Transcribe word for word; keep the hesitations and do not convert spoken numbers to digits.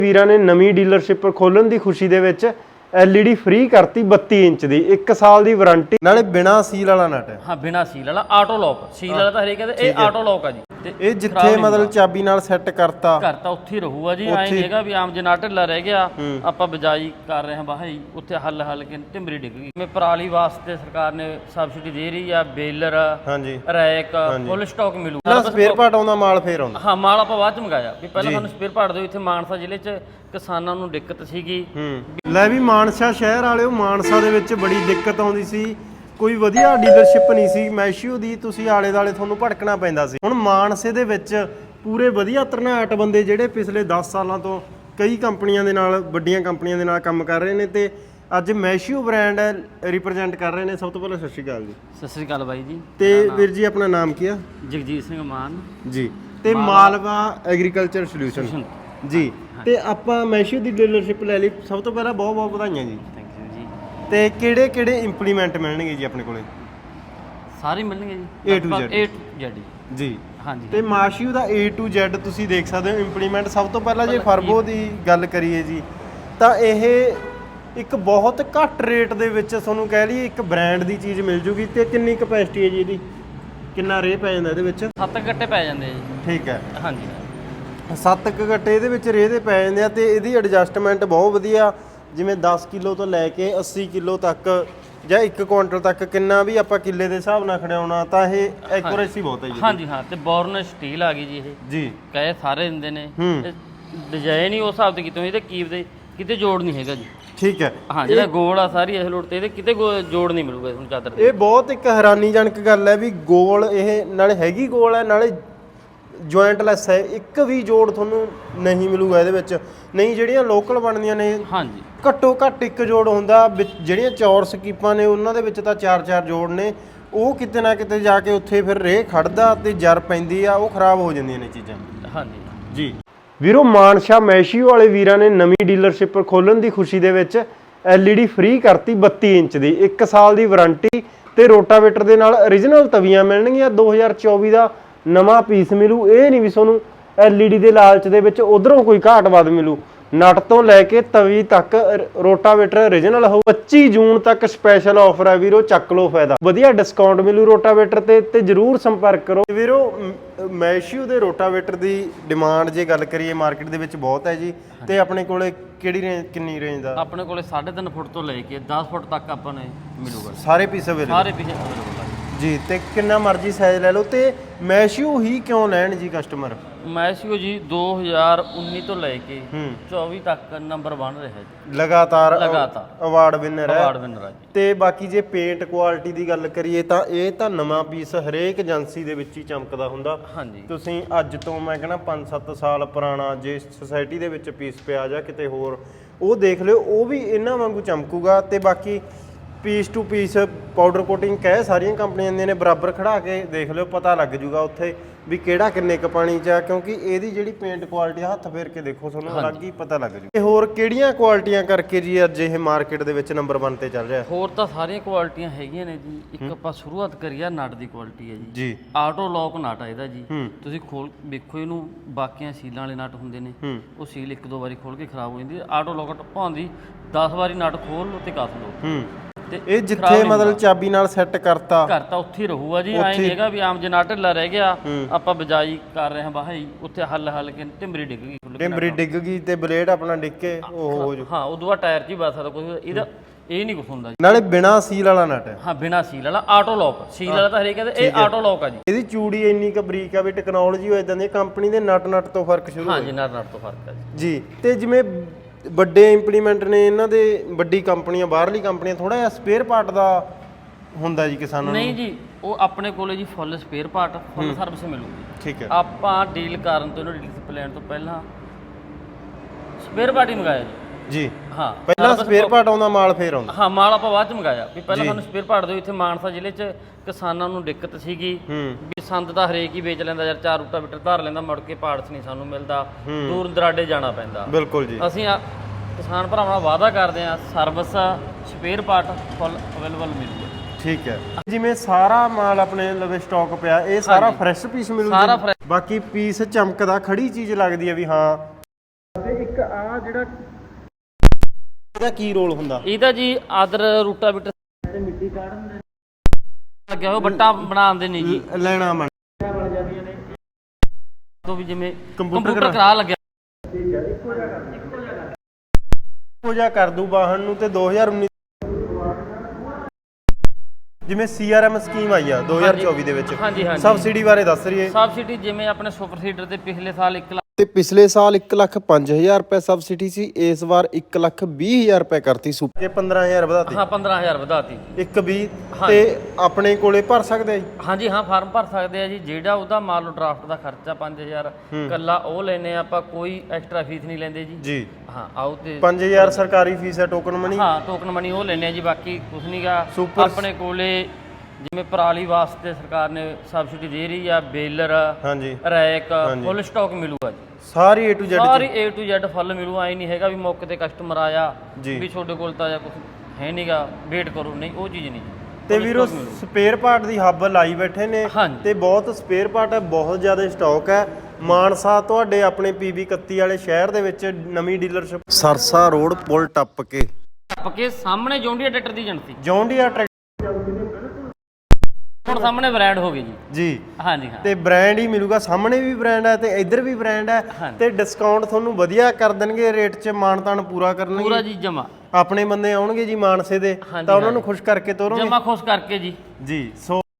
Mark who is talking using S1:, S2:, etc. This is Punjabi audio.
S1: ਵੀਰਾਂ ਨੇ ਨਵੀਂ ਡੀਲਰਸ਼ਿਪ ਖੋਲਣ ਦੀ ਖੁਸ਼ੀ ਦੇ ਵਿੱਚ ਐਲਈਡੀ ਫ੍ਰੀ ਕਰਤੀ ਬੱਤੀ ਇੰਚ ਦੀ ਇੱਕ ਸਾਲ ਦੀ ਵਾਰੰਟੀ ਨਾਲੇ ਬਿਨਾ ਸੀਲ ਵਾਲਾ ਨਟ ਹੈ।
S2: ਹਾਂ ਬਿਨਾ ਸੀਲ ਵਾਲਾ ਆਟੋ ਲੌਕ, ਸੀਲ ਵਾਲਾ ਤਾਂ ਹਰੇਕ ਕਹਿੰਦੇ ਇਹ ਆਟੋ ਲੌਕ ਆ ਜੀ।
S1: ਤੇ ਇਹ ਜਿੱਥੇ ਮਤਲਬ ਚਾਬੀ ਨਾਲ ਸੈੱਟ ਕਰਤਾ
S2: ਕਰਤਾ ਉੱਥੇ ਹੀ ਰਹੂਗਾ ਜੀ। ਐਂ ਨਹੀਂ ਹੈਗਾ ਵੀ ਆਮ ਜੇ ਨਾ ਢਿੱਲਾ ਰਹਿ ਗਿਆ ਆਪਾਂ ਬਜਾਈ ਕਰ ਰਹੇ ਹਾਂ ਬਾਹੀ ਉੱਥੇ ਹੱਲ ਹੱਲ ਕੇ ਢਿਮਰੀ ਡਿੱਗ ਗਈ। ਮੈਂ ਪਰਾਲੀ ਵਾਸਤੇ ਸਰਕਾਰ ਨੇ ਸਬਸਿਡੀ ਦੇ ਰਹੀ ਆ, ਬੇਲਰ
S1: ਹਾਂਜੀ
S2: ਰੈਕ ਫੁੱਲ ਸਟਾਕ ਮਿਲੂ।
S1: ਪਹਿਲਾਂ ਸਪੇਅਰ ਪਾਰਟ ਆਉਂਦਾ, ਮਾਲ ਫੇਰ ਆਉਂਦਾ।
S2: ਹਾਂ ਮਾਲ ਆਪਾਂ ਬਾਅਦ ਚ ਮੰਗਾਇਆ ਵੀ ਪਹਿਲਾਂ ਸਾਨੂੰ ਸਪੇਅਰ ਪਾਰਟ ਦਿਓ। ਇੱਥੇ ਮਾਨਸਾ ਜ਼ਿਲ੍ਹੇ ਚ ਕਿਸਾਨਾਂ ਨੂੰ ਦਿੱਕਤ ਸੀਗੀ।
S1: ਲੈ ਵੀ ਮਾਨਸਾ ਸ਼ਹਿਰ ਵਾਲਿਓ, ਮਾਨਸਾ ਦੇ ਵਿੱਚ ਬੜੀ ਦਿੱਕਤ ਆਉਂਦੀ ਸੀ, ਕੋਈ ਵਧੀਆ ਡੀਲਰਸ਼ਿਪ ਨਹੀਂ ਸੀ ਮੈਸ਼ੀਓ ਦੀ, ਤੁਸੀਂ ਆਲੇ ਦਾਲੇ ਤੁਹਾਨੂੰ ਭਟਕਣਾ ਪੈਂਦਾ ਸੀ। ਹੁਣ ਮਾਨਸੇ ਦੇ ਵਿੱਚ ਪੂਰੇ ਵਧੀਆ ਤਰਨਾਟ ਬੰਦੇ ਜਿਹੜੇ ਪਿਛਲੇ ਦਸ ਸਾਲਾਂ ਤੋਂ ਕਈ ਕੰਪਨੀਆਂ ਦੇ ਨਾਲ, ਵੱਡੀਆਂ ਕੰਪਨੀਆਂ ਦੇ ਨਾਲ ਕੰਮ ਕਰ ਰਹੇ ਨੇ ਤੇ ਅੱਜ ਮੈਸ਼ੀਓ ਬ੍ਰਾਂਡ ਰਿਪਰੈਜ਼ੈਂਟ ਕਰ ਰਹੇ ਨੇ। ਸਭ ਤੋਂ ਪਹਿਲਾਂ ਸਤਿ ਸ਼੍ਰੀ ਅਕਾਲ ਜੀ।
S2: ਸਤਿ ਸ਼੍ਰੀ ਅਕਾਲ ਬਾਈ ਜੀ।
S1: ਤੇ ਵੀਰ ਜੀ ਆਪਣਾ ਨਾਮ ਕੀ ਆ?
S2: ਜਗਜੀਤ ਸਿੰਘ ਮਾਨ
S1: ਜੀ। ਤੇ ਮਾਲਵਾ ਐਗਰੀਕਲਚਰ ਸੋਲਿਊਸ਼ਨ ਜੀ। ਤੇ ਆਪਾਂ ਮੈਸ਼ੀਓ ਦੀ ਡੀਲਰਸ਼ਿਪ ਲੈ ਲਈ, ਸਭ ਤੋਂ ਪਹਿਲਾਂ ਬਹੁਤ ਬਹੁਤ ਵਧਾਈਆਂ ਜੀ।
S2: ਥੈਂਕ ਯੂ ਜੀ।
S1: ਤੇ ਕਿਹੜੇ ਕਿਹੜੇ ਇੰਪਲੀਮੈਂਟ ਮਿਲਣਗੇ ਜੀ ਆਪਣੇ ਕੋਲੇ?
S2: ਸਾਰੇ ਮਿਲਣਗੇ ਜੀ,
S1: A to Z
S2: A to Z
S1: ਜੀ।
S2: ਹਾਂਜੀ।
S1: ਤੇ ਮਾਸ਼ੀਓ ਦਾ A to Z ਤੁਸੀਂ ਦੇਖ ਸਕਦੇ ਹੋ ਇੰਪਲੀਮੈਂਟ। ਸਭ ਤੋਂ ਪਹਿਲਾਂ ਜੇ ਫਰਬੋ ਦੀ ਗੱਲ ਕਰੀਏ ਜੀ ਤਾਂ ਇਹ ਇੱਕ ਬਹੁਤ ਘੱਟ ਰੇਟ ਦੇ ਵਿੱਚ ਤੁਹਾਨੂੰ ਕਹਿ ਲਈਏ ਇੱਕ ਬ੍ਰਾਂਡ ਦੀ ਚੀਜ਼ ਮਿਲ ਜੂਗੀ। ਤੇ ਕਿੰਨੀ ਕਪੈਸਿਟੀ ਹੈ ਜੀ ਇਹਦੀ? ਕਿੰਨਾ ਰੇ ਪੈ ਜਾਂਦਾ ਇਹਦੇ ਵਿੱਚ?
S2: ਸੱਤ ਗੱਟੇ ਪੈ ਜਾਂਦੇ ਜੀ।
S1: ਠੀਕ ਹੈ।
S2: ਹਾਂਜੀ
S1: ਸੱਤ ਕੁ ਗੱਟੇ ਇਹਦੇ ਵਿੱਚ ਰੇ ਦੇ ਪੈ ਜਾਂਦੇ ਆ ਤੇ ਇਹਦੀ ਐਡਜਸਟਮੈਂਟ ਬਹੁਤ ਵਧੀਆ। ਜਿਵੇਂ ਦਸ ਕਿਲੋ ਤੋਂ ਲੈ ਕੇ ਅੱਸੀ ਕਿਲੋ ਤੱਕ ਜਾਂ ਇੱਕ ਕੁਇੰਟਲ ਤੱਕ ਕਿੰਨਾ ਵੀ ਆਪਾਂ ਕਿੱਲੇ ਦੇ ਹਿਸਾਬ ਨਾਲ ਖੜਾਉਣਾ ਤਾਂ ਇਹ ਐਕੂਰੇਸੀ ਬਹੁਤ ਹੈ ਜੀ।
S2: ਹਾਂਜੀ ਹਾਂ। ਤੇ ਬੋਰਨ ਸਟੀਲ ਆ ਗਈ ਜੀ। ਇਹ ਜੀ ਕਹੇ ਸਾਰੇ ਦਿੰਦੇ ਨੇ, ਡਿਜ਼ਾਈਨ ਹੀ ਉਸ ਹਿਸਾਬ ਤੇ ਕੀਤੇ ਇਹਦੇ ਕੀਪ ਦੇ ਕਿਤੇ ਜੋੜ ਨਹੀਂ ਹੈਗਾ ਜੀ। ਠੀਕ ਹੈ। ਹਾਂ ਜਿਹੜਾ ਗੋਲ ਆ ਸਾਰੀ ਇਸ ਲੋਟ ਤੇ ਇਹਦੇ ਕਿਤੇ ਜੋੜ ਨਹੀਂ ਮਿਲੂਗਾ ਤੁਹਾਨੂੰ ਚਾਦਰ ਤੇ। ਇਹ ਬਹੁਤ ਇੱਕ ਹੈਰਾਨੀਜਨਕ ਗੱਲ ਹੈ ਵੀ ਗੋਲ ਇਹ ਨਾਲੇ ਹੈਗੀ ਗੋਲ ਹੈ ਨਾਲੇ ਜੁਆਇੰਟਲੈਸ ਹੈ, ਇੱਕ ਵੀ ਜੋੜ ਤੁਹਾਨੂੰ ਨਹੀਂ ਮਿਲੂਗਾ ਇਹਦੇ ਵਿੱਚ। ਨਹੀਂ ਜਿਹੜੀਆਂ ਲੋਕਲ ਬਣਦੀਆਂ ਨੇ ਹਾਂਜੀ ਘੱਟੋ ਘੱਟ ਇੱਕ ਜੋੜ ਹੁੰਦਾ, ਜਿਹੜੀਆਂ ਚੌਰਸ ਕੀਪਾਂ ਨੇ ਉਹਨਾਂ ਦੇ ਵਿੱਚ ਤਾਂ ਚਾਰ ਚਾਰ ਜੋੜ ਨੇ। ਉਹ ਕਿਤੇ ਨਾ ਕਿਤੇ ਜਾ ਕੇ ਉੱਥੇ ਫਿਰ ਰੇਹ ਖੜਦਾ ਤੇ ਜਰ ਪੈਂਦੀ ਆ, ਉਹ ਖਰਾਬ ਹੋ ਜਾਂਦੀਆਂ ਨੇ ਚੀਜ਼ਾਂ। ਹਾਂਜੀ ਜੀ। ਵੀਰੋ ਮਾਨਸਾ ਮੈਸ਼ੀਓ ਵਾਲੇ ਵੀਰਾਂ ਨੇ ਨਵੀਂ ਡੀਲਰਸ਼ਿਪ ਖੋਲਣ ਦੀ ਖੁਸ਼ੀ ਦੇ ਵਿੱਚ ਐਲਈਡੀ ਫ੍ਰੀ ਕਰਤੀ ਬੱਤੀ ਇੰਚ ਦੀ ਇੱਕ ਸਾਲ ਦੀ ਵਾਰੰਟੀ ਤੇ ਰੋਟਾਵੇਟਰ ਦੇ ਨਾਲ origignal ਤਵੀਆਂ ਮਿਲਣਗੀਆਂ। ਦੋ ਹਜ਼ਾਰ ਚੌਵੀ ਦਾ ਨਵਾਂ ਪੀਸ ਮਿਲੂ। ਇਹ ਨਹੀਂ ਵੀ ਤੁਹਾਨੂੰ ਐਲਈਡੀ ਦੇ ਲਾਲਚ ਦੇ ਵਿੱਚ ਉਧਰੋਂ ਕੋਈ ਘਾਟ ਵੱਧ ਮਿਲੂ। ਨਟ ਤੋਂ ਲੈ ਕੇ ਤਵੀ ਤੱਕ ਰੋਟਾਵੇਟਰ origignal ਹੋਊ। ਪੱਚੀ ਜੂਨ ਤੱਕ ਸਪੈਸ਼ਲ ਆਫਰ ਹੈ ਵੀਰੋ, ਚੱਕ ਲਓ ਫਾਇਦਾ। ਵਧੀਆ ਡਿਸਕਾਊਂਟ ਮਿਲੂ ਰੋਟਾਵੇਟਰ ਤੇ ਤੇ ਜਰੂਰ ਸੰਪਰਕ ਕਰੋ ਵੀਰੋ। ਮੈਸ਼ੀਓ ਦੇ ਰੋਟਾਵੇਟਰ ਦੀ ਡਿਮਾਂਡ ਜੇ ਗੱਲ ਕਰੀਏ ਮਾਰਕੀਟ ਦੇ ਵਿੱਚ ਬਹੁਤ ਹੈ ਜੀ। ਤੇ ਆਪਣੇ ਕੋਲੇ ਕਿਹੜੀ ਰੇਂਜ, ਕਿੰਨੀ ਰੇਂਜ ਦਾ? ਆਪਣੇ ਕੋਲੇ ਸਾਢੇ ਤਿੰਨ ਫੁੱਟ ਤੋਂ ਲੈ ਕੇ ਦਸ ਫੁੱਟ ਤੱਕ ਆਪਾਂ ਨੂੰ ਮਿਲੂਗਾ। ਸਾਰੇ ਪੀਸ ਅਵੇਲੇਬਲ? ਸਾਰੇ ਪੀਸ ਅਵੇਲੇਬਲ ਜੀ। ਤੇ ਕਿੰਨਾ ਮਰਜ਼ੀ ਸਾਈਜ਼ ਲੈ ਲਓ। ਤੇ ਮੈਸ਼ੀਓ ਹੀ ਕਿਉਂ ਲੈਣ ਜੀ ਕਸਟਮਰ? ਮੈਸ਼ੀਓ ਜੀ ਦੋ ਹਜ਼ਾਰ ਉੱਨੀ ਤੋਂ ਲੈ ਕੇ ਚੌਵੀ ਤੱਕ ਨੰਬਰ ਬਣ ਰਿਹਾ ਜੀ, ਲਗਾਤਾਰ ਲਗਾਤਾਰ ਅਵਾਰਡ ਵਿਨਰ ਹੈ। ਅਵਾਰਡ ਵਿਨਰ ਹੈ ਜੀ। ਤੇ ਬਾਕੀ ਜੇ ਪੇਂਟ ਕੁਆਲਿਟੀ ਦੀ ਗੱਲ ਕਰੀਏ ਤਾਂ ਇਹ ਤਾਂ ਨਵਾਂ ਪੀਸ ਹਰੇਕ ਏਜੰਸੀ ਦੇ ਵਿੱਚ ਹੀ ਚਮਕਦਾ ਹੁੰਦਾ। ਹਾਂਜੀ। ਤੁਸੀਂ ਅੱਜ ਤੋਂ ਮੈਂ ਕਹਿੰਦਾ ਪੰਜ ਸੱਤ ਸਾਲ ਪੁਰਾਣਾ ਜੇ ਸੁਸਾਇਟੀ ਦੇ ਵਿੱਚ ਪੀਸ ਪਿਆ ਜਾਂ ਕਿਤੇ ਹੋਰ ਉਹ ਦੇਖ ਲਿਓ, ਉਹ ਵੀ ਇਹਨਾਂ ਵਾਂਗੂ ਚਮਕੂਗਾ। ਤੇ ਬਾਕੀ piece to piece powder coating ਕਹਿ ਸਾਰੀਆਂ ਕੰਪਨੀਆਂ ਦੀਆਂ ਨੇ, ਬਰਾਬਰ ਖੜਾ ਕੇ ਦੇਖ ਲਿਓ, ਪਤਾ ਲੱਗ ਜੂਗਾ ਉੱਥੇ ਵੀ ਕਿਹੜਾ ਕਿੰਨੇ ਕ ਪਾਣੀ ਚ ਆ। ਕਿਉਂਕਿ ਇਹਦੀ ਜਿਹੜੀ ਪੇਂਟ ਕੁਆਲਿਟੀ ਹੱਥ ਫੇਰ ਕੇ ਦੇਖੋ ਤੁਹਾਨੂੰ ਅਲੱਗ ਹੀ ਪਤਾ ਲੱਗ ਜੂ। ਤੇ ਹੋਰ ਕਿਹੜੀਆਂ ਕੁਆਲਿਟੀਆਂ ਕਰਕੇ ਜੀ ਅੱਜ ਇਹ ਮਾਰਕੀਟ ਦੇ ਵਿੱਚ ਨੰਬਰ ਇੱਕ ਤੇ ਚੱਲ ਰਿਹਾ? ਹੋਰ ਤਾਂ ਸਾਰੀਆਂ ਕੁਆਲਿਟੀਆਂ ਹੈਗੀਆਂ ਨੇ ਜੀ। ਇੱਕ ਆਪਾਂ ਸ਼ੁਰੂਆਤ ਕਰੀਏ ਨਟ ਦੀ ਕੁਆਲਿਟੀ ਹੈ ਜੀ। ਜੀ ਆਟੋ ਲੌਕ ਨਟ ਆ ਇਹਦਾ ਜੀ। ਤੁਸੀਂ ਖੋਲ ਵੇਖੋ ਇਹਨੂੰ, ਬਾਕੀਆਂ ਸੀਲਾਂ ਵਾਲੇ ਨਟ ਹੁੰਦੇ ਨੇ ਉਹ ਸੀਲ ਇੱਕ ਦੋ ਵਾਰੀ ਖੋਲ ਕੇ ਖਰਾਬ ਹੋ ਜਾਂਦੀ ਹੈ। ਆਟੋ ਲੌਕ ਭਾਉਂਦੀ ਦਸ ਵਾਰੀ ਨਟ ਖੋਲ ਲਓ ਤੇ ਕੱਸ ਲਓ। ਇਹ ਜਿੱਥੇ ਮਤਲਬ ਚਾਬੀ ਨਾਲ ਸੈੱਟ ਕਰਤਾ ਕਰਤਾ ਉੱਥੇ ਹੀ ਰਹੂਗਾ ਜੀ। ਐਂ ਨਹੀਂ ਹੈਗਾ ਵੀ ਆਮ ਜੇ ਨਾ ਢਿੱਲਾ ਰਹਿ ਗਿਆ ਆਪਾਂ ਬਜਾਈ ਕਰ ਰਹੇ ਹਾਂ ਬਾਹੀ ਉੱਥੇ ਹੱਲ ਹੱਲ ਕੇ ਢਿਮਰੀ ਡਿੱਗ ਗਈ। ਢਿਮਰੀ ਡਿੱਗ ਗਈ ਤੇ ਬਲੇਡ ਆਪਣਾ ਡਿੱਗ ਕੇ ਉਹ ਹੋ ਜੂ। ਹਾਂ ਉਦੋਂ ਬਾਅਦ ਟਾਇਰ 'ਚ ਹੀ ਵੱਜ ਸਕਦਾ ਕੁਝ। ਇਹਦਾ ਇਹ ਨਹੀਂ ਕੁਝ ਹੁੰਦਾ ਜੀ। ਨਾਲੇ ਬਿਨਾ ਸੀਲ ਵਾਲਾ ਨਟ ਹੈ। ਹਾਂ ਬਿਨਾ ਸੀਲ ਵਾਲਾ ਆਟੋ ਲੌਕ। ਸੀਲ ਵਾਲਾ ਤਾਂ ਹਰੇਕ ਕਹਿੰਦੇ ਇਹ ਆਟੋ ਲੌਕ ਆ ਜੀ। ਇਹਦੀ ਚੂੜੀ ਇੰਨੀ ਕੁ ਬਰੀਕ ਆ ਵੀ ਟੈਕਨੋਲੋਜੀ ਹੋ ਇਦਾਂ ਦੀ ਕੰਪਨੀ ਦੇ ਨਟ ਨਟ ਤੋਂ ਫਰਕ ਸ਼ੁਰੂ ਹੋ। ਹਾਂ ਜੀ ਨਟ ਨਟ ਤੋਂ ਫਰਕ ਹੈ ਜੀ। ਤੇ ਜਿਵੇਂ ਵੱਡੇ ਇੰਪਲੀਮੈਂਟ ਨੇ ਇਹਨਾਂ ਦੇ, ਵੱਡੀ ਕੰਪਨੀਆਂ ਬਾਹਰਲੀ ਕੰਪਨੀਆਂ ਥੋੜਾ ਜਿਹਾ ਸਪੇਅਰ ਪਾਰਟ ਦਾ ਹੁੰਦਾ ਜੀ ਕਿਸਾਨਾਂ ਨੂੰ? ਨਹੀਂ ਜੀ ਉਹ ਆਪਣੇ ਕੋਲੇ ਜੀ full spare part full service ਮਿਲੂਗੀ। ਠੀਕ ਹੈ। ਆਪਾਂ ਡੀਲ ਕਰਨ ਤੋਂ ਇਹਨਾਂ ਡੀਲਰਸ਼ਿਪ ਲੈਣ ਤੋਂ ਪਹਿਲਾਂ ਸਪੇਅਰ ਪਾਰਟ ਹੀ ਮੰਗਾਇਆ ਜੀ। ਹਾਂ ਪਹਿਲਾਂ ਸਪੇਅਰ ਪਾਰਟ ਆਉਂਦਾ, ਮਾਲ ਫੇਰ ਆਉਂਦਾ। ਹਾਂ ਮਾਲ ਆਪਾਂ ਬਾਅਦ ਚ ਮੰਗਾਇਆ ਵੀ ਪਹਿਲਾਂ ਸਾਨੂੰ ਸਪੇਅਰ ਪਾਰਟ ਦਿਓ। ਇੱਥੇ ਮਾਨਸਾ ਜ਼ਿਲ੍ਹੇ ਚ ਕਿਸਾਨਾਂ ਨੂੰ ਦਿੱਕਤ ਸੀਗੀ ਵੀ ਸੰਦ ਤਾਂ ਹਰੇਕ ਹੀ ਵੇਚ ਲੈਂਦਾ ਯਾਰ, ਚਾਰ ਰੂਟਾਵੇਟਰ ਧਾਰ ਲੈਂਦਾ, ਮੁੜ ਕੇ ਪਾਰਟਸ ਨਹੀਂ ਸਾਨੂੰ ਮਿਲਦਾ, ਦੂਰ ਦਰਾਡੇ ਜਾਣਾ ਪੈਂਦਾ। ਬਿਲਕੁਲ ਜੀ। ਅਸੀਂ ਕਿਸਾਨ ਭਰਾਵਾਂ ਨਾਲ ਵਾਅਦਾ ਕਰਦੇ ਹਾਂ service spare part full available ਮਿਲੂਗਾ। ਠੀਕ ਹੈ। ਜਿਵੇਂ ਸਾਰਾ ਮਾਲ ਆਪਣੇ ਲਵੇ ਸਟਾਕ ਪਿਆ, ਇਹ ਸਾਰਾ ਫਰੈਸ਼ ਪੀਸ ਮਿਲੂਗਾ? ਸਾਰਾ ਫਰੈਸ਼। ਬਾਕੀ ਪੀਸ ਚਮਕਦਾ, ਖੜੀ ਚੀਜ਼ ਲੱਗਦੀ ਹੈ ਵੀ ਹਾਂ। ਤੇ ਇੱਕ
S1: ਆ ਜਿਹੜਾ ਇਹਦਾ ਕੀ ਰੋਲ ਹੁੰਦਾ?
S2: ਇਹਦਾ ਜੀ ਆਦਰ ਰੂਟਾਵੀਟਰ ਤੇ ਮਿੱਟੀ ਕਾਢਣ ਦੇ ਲੱਗਿਆ ਹੋਇਆ ਬੱਟਾ ਬਣਾਉਂਦੇ ਨੇ ਜੀ,
S1: ਲੈਣਾ ਬਣ
S2: ਬਣ ਜਾਂਦੀਆਂ ਨੇ ਤੋਂ ਵੀ ਜਿਵੇਂ
S1: ਕੰਪਿਊਟਰ
S2: ਕੰਪਿਊਟਰ ਕਰਾ ਲੱਗਿਆ
S1: ਹੋ ਜਾ ਕਰ ਦੂ ਵਾਹਨ ਨੂੰ। ਤੇ ਦੋ ਹਜ਼ਾਰ ਉੱਨੀ ਜਿਵੇਂ ਸੀ ਆਰ ਐਮ ਸਕੀਮ ਆਈ ਆ ਦੋ ਹਜ਼ਾਰ ਚੌਵੀ ਦੇ ਵਿੱਚ,
S2: ਹਾਂਜੀ ਹਾਂਜੀ
S1: ਸਬਸਿਡੀ ਬਾਰੇ ਦੱਸ ਰਹੀ ਹੈ।
S2: ਸਬਸਿਡੀ ਜਿਵੇਂ ਆਪਣੇ ਸੁਪਰ ਸੀਡਰ ਤੇ ਪਿਛਲੇ ਸਾਲ ਇੱਕ ਲੱਖ
S1: ਤੇ ਪਿਛਲੇ ਸਾਲ ਇੱਕ ਲੱਖ ਪੰਜ ਹਜ਼ਾਰ ਰੁਪਏ ਸਬਸਿਡੀ ਸੀ, ਇਸ ਵਾਰ ਇੱਕ ਲੱਖ ਵੀਹ ਹਜ਼ਾਰ ਰੁਪਏ ਕਰਤੀ ਸੁਪਰ ਕੇ ਪੰਦਰਾਂ ਹਜ਼ਾਰ ਵਧਾਤੀ।
S2: ਹਾਂ ਪੰਦਰਾਂ ਹਜ਼ਾਰ ਵਧਾਤੀ
S1: ਇੱਕ ਵੀਹ ਤੇ ਆਪਣੇ ਕੋਲੇ ਭਰ ਸਕਦੇ ਆ ਜੀ?
S2: ਹਾਂਜੀ ਹਾਂ ਫਾਰਮ ਭਰ ਸਕਦੇ ਆ ਜੀ। ਜਿਹੜਾ ਉਹਦਾ ਮੰਨ ਲਓ ਡਰਾਫਟ ਦਾ ਖਰਚਾ ਪੰਜ ਹਜ਼ਾਰ ਕੱਲਾ ਉਹ ਲੈਨੇ ਆਪਾਂ, ਕੋਈ ਐਕਸਟਰਾ ਫੀਸ ਨਹੀਂ ਲੈਂਦੇ ਜੀ। ਜੀ ਹਾਂ ਆਓ ਤੇ
S1: ਪੰਜ ਹਜ਼ਾਰ ਸਰਕਾਰੀ ਫੀਸ ਹੈ, ਟੋਕਨ ਮਨੀ।
S2: ਹਾਂ ਟੋਕਨ ਮਨੀ ਉਹ ਲੈਨੇ ਆ ਜੀ, ਬਾਕੀ ਕੁਝ ਨਹੀਂਗਾ। ਆਪਣੇ ਕੋਲੇ ਜਿਵੇਂ ਪਰਾਲੀ ਵਾਸਤੇ ਸਰਕਾਰ ਨੇ ਸਬਸਿਡੀ ਦੇ ਰਹੀ ਆ, ਬੇਲਰ
S1: ਹਾਂਜੀ
S2: ਰੈਕ ਫੁੱਲ ਸਟਾਕ ਮਿਲੂਗਾ ਜੀ,
S1: ਸਾਰੀ ਏ ਟੂ ਜ਼ੈਡ
S2: ਸਾਰੀ ਏ ਟੂ ਜ਼ੈਡ ਫੁੱਲ ਮਿਲੂ। ਆਈ ਨਹੀਂ ਹੈਗਾ ਵੀ ਮੌਕੇ ਤੇ ਕਸਟਮਰ ਆਇਆ ਵੀ ਤੁਹਾਡੇ ਕੋਲ ਤਾਂ ਜਾਂ ਕੁਝ ਹੈ ਨਹੀਂਗਾ ਵੇਟ ਕਰੋ, ਨਹੀਂ ਉਹ ਚੀਜ਼ ਨਹੀਂ।
S1: ਤੇ ਵੀਰੋ ਸਪੇਅਰ ਪਾਰਟ ਦੀ ਹੱਬ ਲਾਈ ਬੈਠੇ ਨੇ ਤੇ ਬਹੁਤ ਸਪੇਅਰ ਪਾਰਟ ਹੈ, ਬਹੁਤ ਜ਼ਿਆਦਾ ਸਟਾਕ ਹੈ। ਮਾਨਸਾ ਤੁਹਾਡੇ ਆਪਣੇ ਪੀ ਬੀ ਇਕੱਤੀ ਵਾਲੇ ਸ਼ਹਿਰ ਦੇ ਵਿੱਚ ਨਵੀਂ ਡੀਲਰਸ਼ਿਪ ਸਰਸਾ ਰੋਡ ਪੁਲ ਟੱਪ ਕੇ
S2: ਟੱਪ ਕੇ ਸਾਹਮਣੇ ਜੌਂਡੀਆ ਟਰੈਕਟਰ ਦੀ ਏਜੰਸੀ,
S1: ਜੌਂਡੀਆ ਟਰੈਕਟਰ
S2: ਹੁਣ ਸਾਹਮਣੇ ਬ੍ਰਾਂਡ ਹੋ ਗਈ ਜੀ।
S1: ਜੀ
S2: ਹਾਂਜੀ ਹਾਂ
S1: ਤੇ ਬ੍ਰਾਂਡ ਹੀ ਮਿਲੂਗਾ, ਸਾਹਮਣੇ ਵੀ ਬ੍ਰਾਂਡ ਹੈ ਤੇ ਇੱਧਰ ਵੀ ਬ੍ਰਾਂਡ ਹੈ ਤੇ ਡਿਸਕਾਊਂਟ ਤੁਹਾਨੂੰ ਵਧੀਆ ਕਰ ਦੇਣਗੇ, ਰੇਟ 'ਚ ਮਾਨਤਾਨ ਪੂਰਾ ਕਰਨਗੇ
S2: ਪੂਰਾ ਜੀ ਜਮਾ।
S1: ਆਪਣੇ ਬੰਦੇ ਆਉਣਗੇ ਜੀ ਮਾਨਸੇ ਦੇ ਤਾਂ ਉਹਨਾਂ ਨੂੰ ਖੁਸ਼ ਕਰਕੇ ਤੋਰੋਗੇ?
S2: ਜਮਾ ਖੁਸ਼ ਕਰਕੇ ਜੀ।
S1: ਜੀ ਸੋ